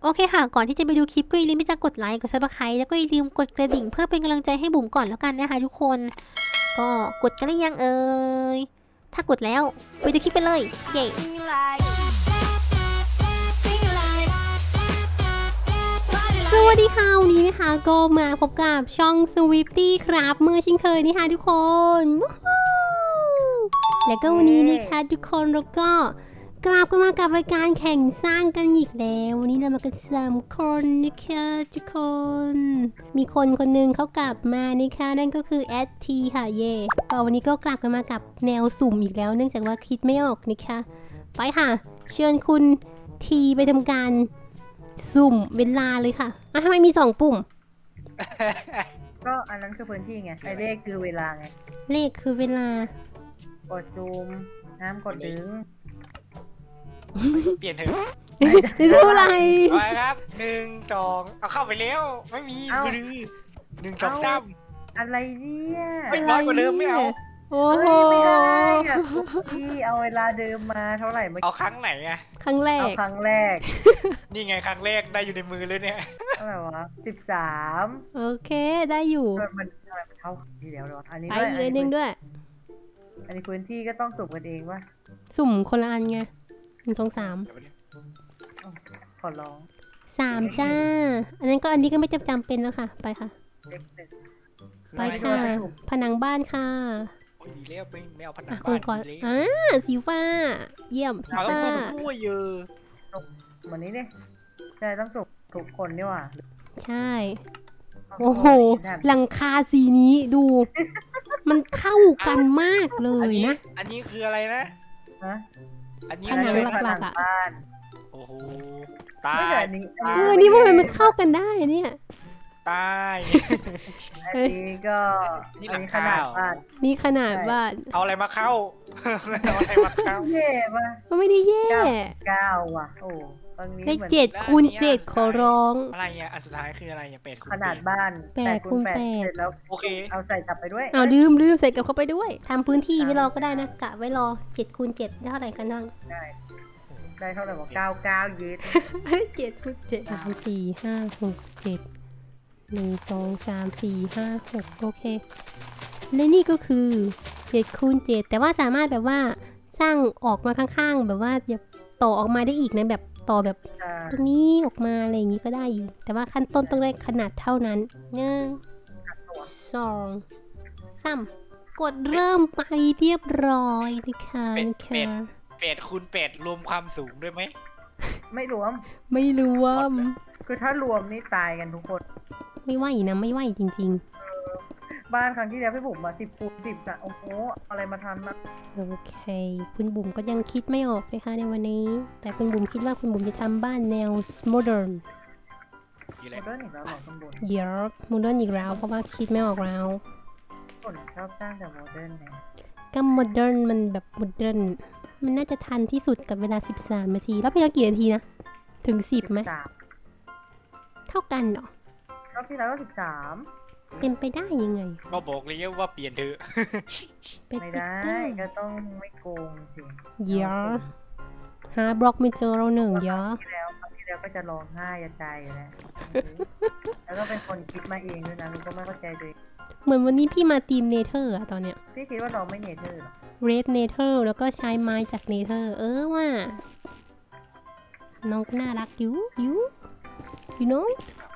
โอเคค่ะก่อนที่จะไปดูคลิปก็อย่าลืมที่จะกดไลค์กดซับสไครต์แล้วก็อย่าลืมกดกระดิ่งเพื่อเป็นกำลังใจให้บุ๋มก่อนแล้วกันนะคะทุกคนก็กดกันหรือยังถ้ากดแล้วไปดูคลิปไปเลยเย้สวัสดีค่ะวันนี้นะคะก็มาพบกับช่อง Swifty ครับเมื่อเช่นเคยนี่ค่ะทุกคนแล้วก็วันนี้นะคะทุกคนเราก็กลับกันมากับรายการแข่งสร้างกันอีกแล้ววันนี้เรามากัน3 คนนะคะทุกคนมีคนหนึ่งเขากลับมานะคะนั่นก็คือแอดทีค่ะเย่ก็วันนี้ก็กลับกันมากับแนวสุ่มอีกแล้วเนื่องจากว่าคิดไม่ออกนะคะไปค่ะเชิญคุณทีไปทำการสุ่มเวลาเลยค่ะทำไมมี2 ปุ่มก็อันนั้นคือพื้นที่ไงไอเลขคือเวลาไงเลขคือเวลากดซูมห้ามกดดึงเปลี่ยนเถอะเท่าไหร่ไปครับ1 2เอาเข้าไปแล้วไม่มีมือ1 2 3 อะไรเนี่ยไม่น้อยกว่าเดิมไม่เอาโอ้โหไม่ได้อะพี่เอาเวลาเดิมมาเท่าไหร่เมื่อเอากี้ครั้งไหนอะครั้งแรเอากครั้งแรกนี่ไงครั้งแรกได้อยู่ในมือเลยเนี่ยเท่าไหร่วะ13 โอเคได้อยู่มันทำไมมันเท่าที่แล้วเลยวะอันนี้ไปด้วยอีกเลยนึงด้วยอันนี้พื้นที่ก็ต้องสุ่มกันเองวะสุ่มคนละอันไง1 2 3 อ้าวขอร้อง 3จ้าอันนั้นก็อันนี้ก็ไม่จำเป็นแล้วค่ะไปค่ะเลขหนึ่งไปค่ะผนังบ้านค่ะโอ้ยดีแล้วไม่เอาผนัอ่ะงคนบ้านก่อนเลยสีฟ้าเยี่ยมสีเอาต้องฟ้าสุ่มด้วยเยอะวันนี้ดิใช่ต้องสุ่มทุกคนนี่หว่าใช่โอ้โหหลังคาสีนี้ดู มันเข้ากันมากเลยนะอันนี้คืออะไรนะฮะอันนี้ผนังคือหลักๆอะบ้านโอ้โหตาไม่ยแต่อันนี้นี่ทำไมมันเข้ากันได้เนี่ยตายอันนี้ก็นี่อัหลันงนี้ขคานาดเหรอบ้านนี่ขนาดบ้านเอาอะไรมาเข้า เอาอะไรมาเข้าเย่ปะก็ไม่ได้แย่ 9ว่ะโอ้ตรงนี้ได้เหมือน 7 คูณ 7 ขอร้องอะไรเนี่ยอันสุดท้ายคืออะไรเนี่ยเป็ดขนาดบ้าน 8 คูณ 8เสร็จแล้วโอเคเอาใส่กลับไปด้วยเอาลืมใส่กลับเข้าไปด้วยทำพื้นที่ไว้รอก็ได้นะกะไว้รอ7 คูณ 7ได้เท่าไหร่กันบ้างได้เท่าไหร่บอก99เยส 7 คูณ 7 3 4 5 6 7 1 2 3 4 5 6โอเคและนี่ก็คือ7 คูณ 7แต่ว่าสามารถแบบว่าสร้างออกมาข้างๆแบบว่าจะต่อออกมาได้อีกนะแบบต่อแบบตรงนี้ออกมาอะไรอย่างนี้ก็ได้อยู่แต่ว่าขั้นต้นต้องได้ขนาดเท่านั้น1 2 3กดเริ่มไปเรียบร้อยนะคะเป็ดคูณเป็ดรวมความสูงด้วยไหมไม่รวมไม่รวมคือถ้ารวมนี่ตายกันทุกคนไม่ไหวนะไม่ไหวจริงบ้านครั้งที่แล้วพี่บุ๋มมา10 คูณ 10นะโอ้โหอะไรมาทันนะๆโอเคคุณบุ๋มก็ยังคิดไม่ออกเลยค่ะในวันนี้ แต่คุณบุ๋มคิดว่าคุณบุ๋มจะทำบ้านแนวโมเดิร์นอยู่โมเลยเดิร์นอีกแล้วเหรอข้างบนเดี๋ยวโมเดิร์นอีกแล้วเพราะว่าคิดไม่ออกแล้วคนชอบสร้างแต่โมเดิร์นไงก็โมเดิร์นมันแบบโมเดิร์นมันน่าจะทันที่สุดกับเวลา13 นาทีแล้วเพลงกี่นาทีนะถึง10ไหม 13 เท่ากันเหรอรอบที่แล้วก็13 เป็นไปได้ยังไงก็บอกเลยว่าเปลี่ยนเถอะเป็นไม่ไปได้ได้ก็ต้องไม่โกงสิเดี๋ยวหาบล็อกไม่เจอเราหนึ่งเดี๋ยวครั้งที่แล้วก็จะร้องไห้จะใจอยู่แล้วแล้วก็เป็นคนคิดมาเองด้วยนะมันก็ไม่เข้าใจตัวเองเหมือนวันนี้พี่มาทีมเนเธอร์อะตอนเนี้ยพี่คิดว่าเราไม่เนเธอร์หรอเรดเนเธอร์แล้วก็ใช้ไม้จากเนเธอร์ว่าน้องน่ารักอยู่ you know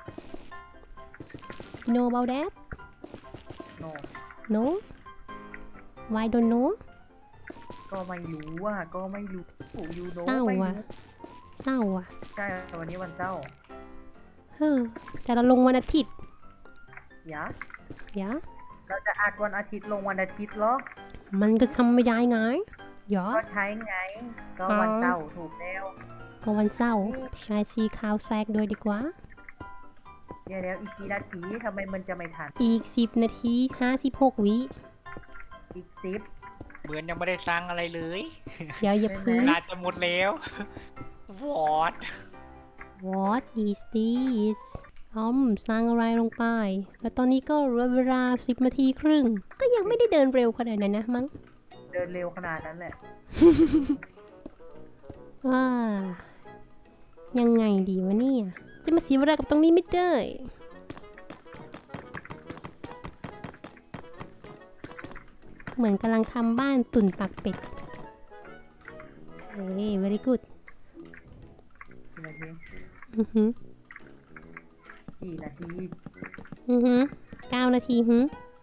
about that โน no why don't know ก็ไม่รู้อ่ะก็ไม่รู้ยูโนเศร้าไม่ว่ะรู้เศร้าว่ะใช่วันนี้วันเศร้าเฮ้อแต่เราลงวันอาทิตย์ยะอย่าเราจะอัดวันอาทิตย์ลงวันอาทิตย์เหรอมันก็ทำไม่ได้ไงอย่าก็ใช้ไง ก็วันเสาร์ถูกแล้วก็วันเสาร์ใช้สีขาวแซกด้วยดีกว่าเดี๋ยวอีกกี่นาทีทำไมมันจะไม่ทันอีก10 นาที56 วิอีก10 เหมือนยังไม่ได้สร้างอะไรเลยเดี๋ยวอย่าพึ่เวงลาจะหมดแล้ว วอด What is this สร้างอะไรลงไป แล้วตอนนี้ก็เหลือเวลา10 นาทีครึ่ง ก็ยังไม่ได้เดินเร็วขนาดนั้นนะมั้งเดินเร็วขนาดนั้นแหละว้ายังไงดีวะเนี่ย จะมาเสียเวลากับตรงนี้ไม่ได้ เหมือนกำลังทำบ้านตุ่นปากเป็ด เฮ้ย very good กี่นาทีอือหือกี่นาทีอือหือ9 นาทีหือ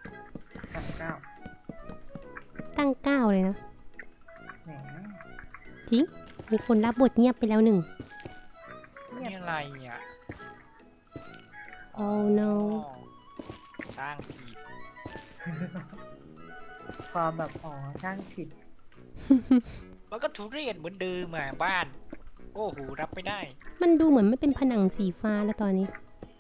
9 ตั้ง 9 เลยนะแหมจริง มีคนรับบทเงียบไปแล้วหนึ่งนี่อะไรอ่ะ Oh no สร้างผิดความแบบอ๋อช่างผิดมันก็ทุเรศเหมือนเดิมอ่ะบ้าน โอ้โหรับไม่ได้มันดูเหมือนไม่เป็นผนังสีฟ้าแล้วตอนนี้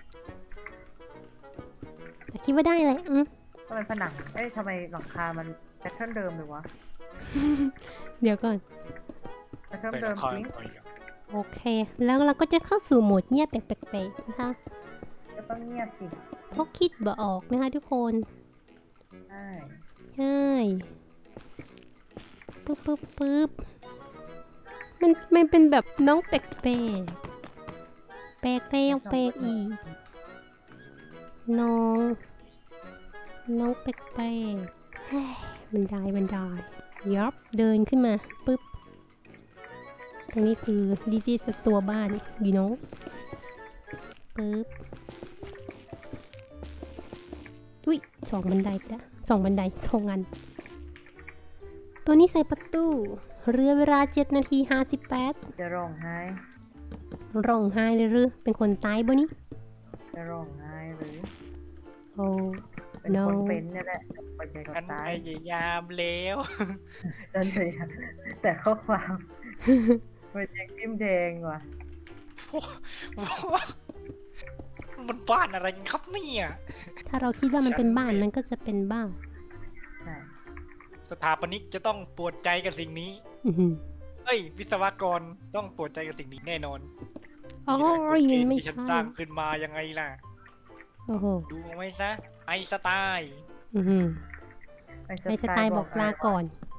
แต่คิดว่าได้เลยอืมทำไมผนัง เอ้ยทำไมหลังคามันแพทเทิร์นเดิมเลยวะเดี๋ยวก่อนแพทเทิร์นเดิมจริงโอเค แล้วเราก็จะเข้าสู่โหมดเงียบแบบแปลกๆนะคะก็ต้องเงียบสิเพราะคิดบ่ออกนะคะทุกคนใช่ใช่ปึ๊บปึ๊บปึ๊บมันเป็นแบบน้องแปลกๆแปลกแล้วแปลกอีก น้องแปลกๆเฮ้ยบันไดยับเดินขึ้นมาปึ๊บตรงนี้คือดิจิสตัวบ้านอยู่น้องปึ๊บอุ้ย2 บันไดละ2 บันได2 อันตัวนี้ใส่ประตูเรือเวลา7 นาที 58 จะร้องไห้ร้องไห้เลยหรือเป็นคนตายบ่นี่จะร้องไห้หรือโอ้เป็น No คนเป็นเนี่ยแหละไปใจกับฉันตาพยยายามแล้วฉันเลยอะแต่ข้อความมันยังจิ้มแดงว่ะมันบ้านอะไรกันครับเนี่ยถ้าเราคิดว่ามันเป็นบ้านมันก็จะเป็นบ้านใช่สถาปนิกจะต้องปวดใจกับสิ่งนี้อื้อหือเอ้ย วิศวกรต้องปวดใจกับสิ่งนี้แน่นอนโอ้ยนี่มันแหละกฎเกณฑ์ไม่ที่ฉันใช่สร้างขึ้นมายังไงล่ะโอ้โหดูเอาไว้ซะ ไอน์สไตล์อือหือไอ้ไอสไตล์บอกลาก่อน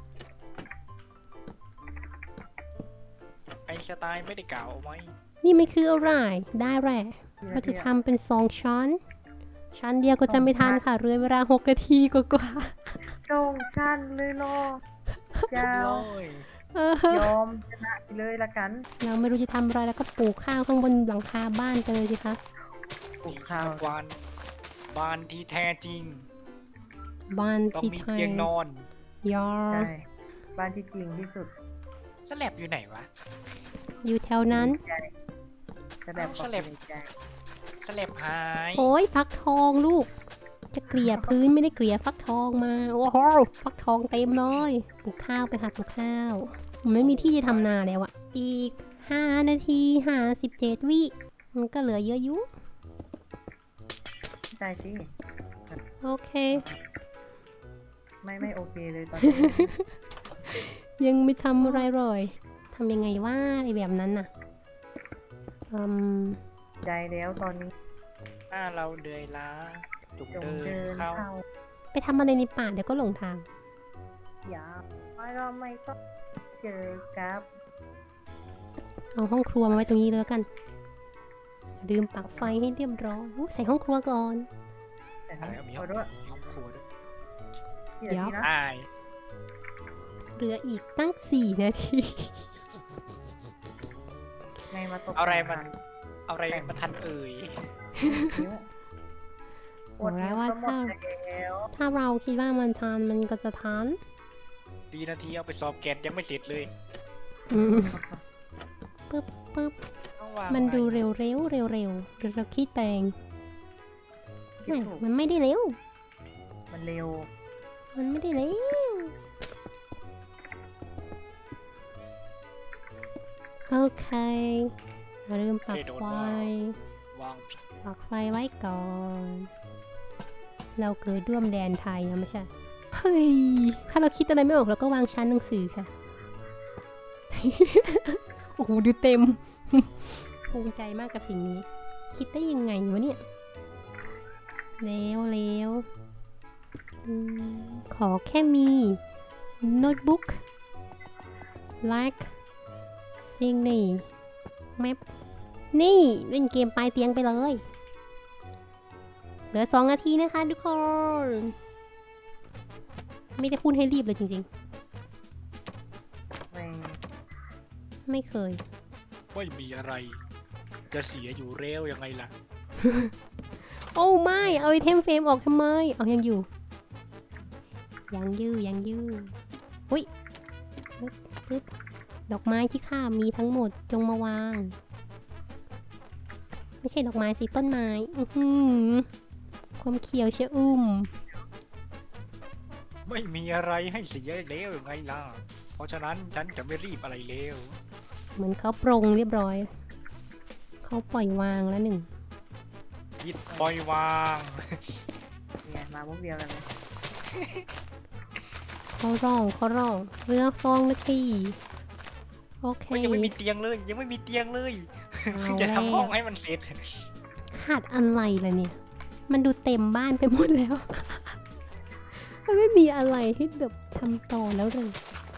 ไอน์สไตล์ไม่ได้กล่าวเอาไว้นี่ไม่คืออะไร ได้แหละเราจะทำเป็น2 ชั้นเดียวก็จะไม่ทันค่ะ เรือเวลา6 นาทีกว่าโจงชันเลยโลเจ้าเลยๆเออยอมชนะไปเลยละกันเราไม่รู้จะทำอะไรแล้วก็ปลูกข้าวข้างบนหลังคาบ้านไปเลยสิคะปลูกนี่ข้าวสักวันบ้านที่แท้จริงบ้านต้องที่มีไทยเตียงนอนยอใช่บ้านที่จริงที่สุดสแลบอยู่ไหนวะอยู่แถวนั้นใจจะแบบบอกสลับในใจสแลบหายโอ้ยฟักทองลูก จะเกลี่ยพื้นไม่ได้เกลี่ยฟักทองมา โอ้โหฟักทองเต็มเลยปลูกข้าวไปค่ะปลูกข้าวผมไม่มีที่จะทำนาแล้วอะอีก5 นาที57 วิมันก็เหลือเยอะอยู่ใจสิโอเคไม่โอเคเลยตอนนี้ยังไม่ทำอะไรเลยทำยังไงว่าไอแบบนั้นน่ะมใจแล้วตอนนี้ถ้าเราเดือยล้าจุกจงเดิเดินนเข้าเข้าไปทำอะไรในป่าเดี๋ยวก็หลงทางอย่าไม่เราไม่ต้องเจอกับเอาห้องครัวมาไว้ตรงนี้เลยแล้วกันอย่าลืมปักไฟให้เรียบร้อยอู้ใส่ห้องครัวก่อนแต่อะไรก็มีขอด้วยห้องครัวด้วยกี่นาทีนะตายเหลืออีกตั้ง4 นาทีไงมาตกเอาอะไรมัน เอาอะไรมาทันเอ่ยนิ้วบอกแล้วว่าหมดแล้วถ้าเราคิดว่ามันทันมันก็จะทันดีนาทีเอาไปสอบแกนยังไม่เสร็จเลยอืมปึ๊บต้องวางมันดูไว้เร็วหรือเราคิดแปลงคิดไม่ถูกมันไม่ได้เร็วมันเร็วมันไม่ได้เร็ว โอเคอย่าลืมปักไฟวางผิดปักไฟไว้ก่อน เราเกิดร่วมแดนไทยนะไม่ใช่ เฮ้ย ถ้าเราคิดอะไรไม่ออกเราก็วางชั้นหนังสือค่ะ โอ้โห ดูเต็ม ภูมิใจมากกับสิ่งนี้ คิดได้ยังไงวะเนี่ยแล้วขอแค่มีโน้ตบุ๊ก like สิ่งนี้แมปนี่เล่นเกมปลายเตียงไปเลย เหลือ2 นาทีนะคะทุกคน ไม่ได้พูดให้รีบเลยจริงไม่ๆ ไม่เคยไม่มีอะไร จะเสียอยู่เร็วยังไงล่ะโอ้ไม่ เอาไอเทมเฟรมออกทำไม เอายังอยู่ ยังยื้ออุ้ยปึ๊บดอกไม้ที่ข้ามีทั้งหมดจงมาวาง ไม่ใช่ดอกไม้สิต้นไม้ ความเขียวเชอุ่มไม่มีอะไรให้เสียเร็วยังไงล่ะ เพราะฉะนั้นฉันจะไม่รีบอะไรเร็วเหมือนเขาปรงเรียบร้อย เขาปล่อยวางแล้วหนึ่งยิดปล่อยวางเนี่ยมาพวกเดียวกันเลยเขาร้องเรือ2 นาที โอเคยังไม่มีเตียงเลย ยังไม่มีเตียงเลยเอาจะแล้วทำห้องให้มันเสร็จขาดอะไรล่ะเนี่ย มันดูเต็มบ้านไปหมดแล้ว มันไม่มีอะไรให้แบบทำต่อแล้วเลย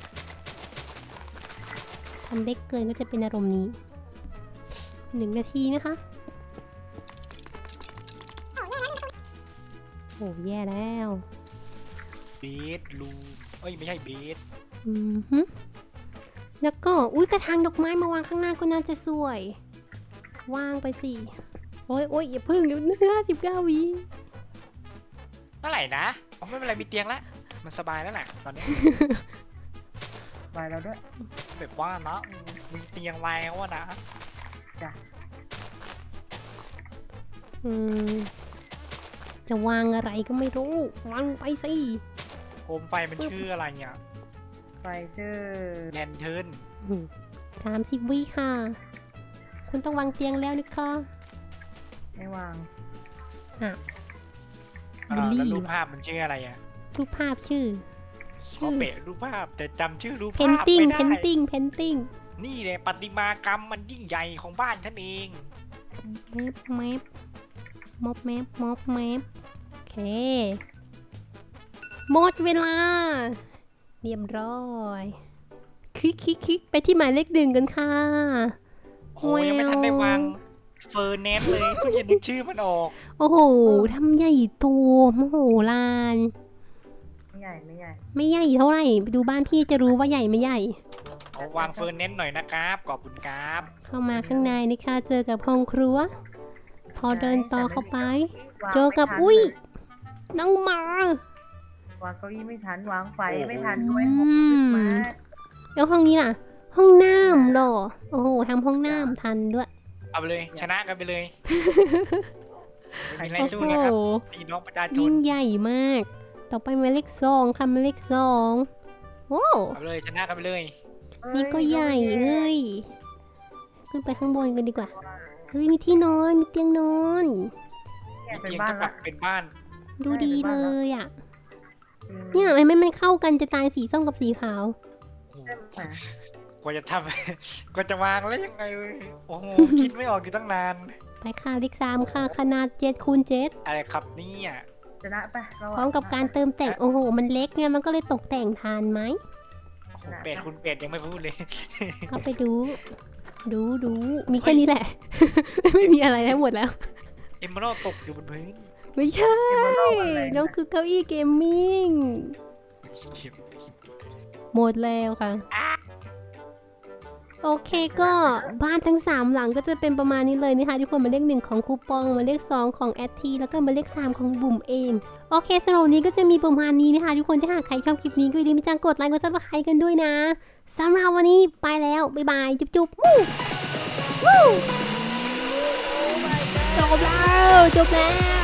ทำเล็กเกินก็จะเป็นอารมณ์นี้ 1 นาทีนะคะ โอ้แย่แล้วเบสรูมเอ้ยไม่ใช่เบสอือฮึแล้วก็อุ้ยกระถางดอกไม้มาวางข้างหน้าก็น่าจะสวย วางไปสิโอ้ยอย่าพึ่งเดี๋ยว59 วิเมื่อไหร่นะอ๋อไม่เป็นไรมีเตียงแล้ว มันสบายแล้วแหละตอนนี้ไปแล้วด้วยแบบว่านะมีเตียงแล้วอะนะจ้ะอืมจะวางอะไรก็ไม่รู้ วางไปสิโคมไฟมันชื่ออะไรเนี่ยไฟชื่อแลนเทิร์น 30 วิค่ะ คุณต้องวางเตียงแล้วนะคะไม่วางบูลลี่แล้วรูปภาพมันชื่ออะไรอ่ะรูปภาพชื่อขอเปะรูปภาพแต่จำชื่อรูปเพภาน พติ้งไม่เพได้นติ้งเพนติ้งนี่แหละประติมากรรมมันยิ่งใหญ่ของบ้านฉันเองแมปม็อบแมปโอเค หมดเวลา เรียบร้อยคลิกไปที่หมายเลข 1กันค่ะโอ้ยยังไม่ทันได้วางเฟอร์เนสเลยเพิ่งจะนึกชื่อมันออกโอ้โหทำใหญ่โตมโหฬารไม่ใหญ่ไม่ใหญ่ไม่ใหญ่เท่าไหร่ ไปดูบ้านพี่จะรู้ว่าใหญ่ไม่ใหญ่เอาวางเฟอร์เนสหน่อยนะครับขอบคุณครับเข้ามาข้างในนะคะเจอกับห้องครัว พอเดินต่อเข้าไป เจอกับอุ้ยน้องหมาวางเก้าอี้ไม่ทันวางไฟไม่ทันด้วยอืมมาแล้วห้องนี้ล่ะ ห้องน้ำเหรอ โอ้โหทำห้องน้ำทันด้วยเอาไปเลยชนะกันไปเลยไม่มีอะไรโอ้สู้โหนะครับพี่น้องประชาชนยิ่งใหญ่มาก ต่อไปหมายเลข 2ค่ะหมายเลข 2โอ้เอาไปเลยชนะกันไปเลยนี่ก็ใหญ่เฮ้ย ขึ้นไปข้างบนกันดีกว่า เฮ้ยมีที่นอน มีเตียงนอนเนี่ยมีเป็นเตียงบ้านเท่ากัละบเป็นบ้านดูดีเลยอ่ะอืมเนี่ยทำไมมันเข้ากันจะตายสีส้มกับสีขาวโอ้โหใช่ไหมกว่าจะทำ กว่าจะวางแล้วยังไงเว้ยโอ้โห คิดไม่ออกอยู่ตั้งนานไปค่ะเลข 3ค่ะขนาด7 คูณ 7 อะไรครับเนี่ยชนะไปเราพร้อมกับการเติมแต่งโอ้โห มันเล็กไงมันก็เลยตกแต่งทานไหมโอ้โหเป็ดคุณเป็ดยังไม่พูดเลยก็ไปดู มีแค่นี้แหละ ไม่มีอะไรทั้งหมดแล้วเอมเมอรัลตกอยู่บนพื้นไม่ใช่ น้องคือเก้าอี้เกมมิ่ง หมดแล้วค่ะ โอเคก็บ้านทั้ง 3 หลังก็จะเป็นประมาณนี้เลยนะคะทุกคนหมายเลข 1 ของคูปองหมายเลข 2 ของแอดทีแล้วก็หมายเลข 3 ของบุ๋มเอง โอเคสำหรับวันนี้ก็จะมีประมาณนี้นะคะทุกคนถ้าหากใครชอบคลิปนี้ก็อย่าลืมกดไลค์กดซับสไครต์กันด้วยนะสำหรับวันนี้ไปแล้วบ๊ายบายจุ๊บวู้จบแล้ว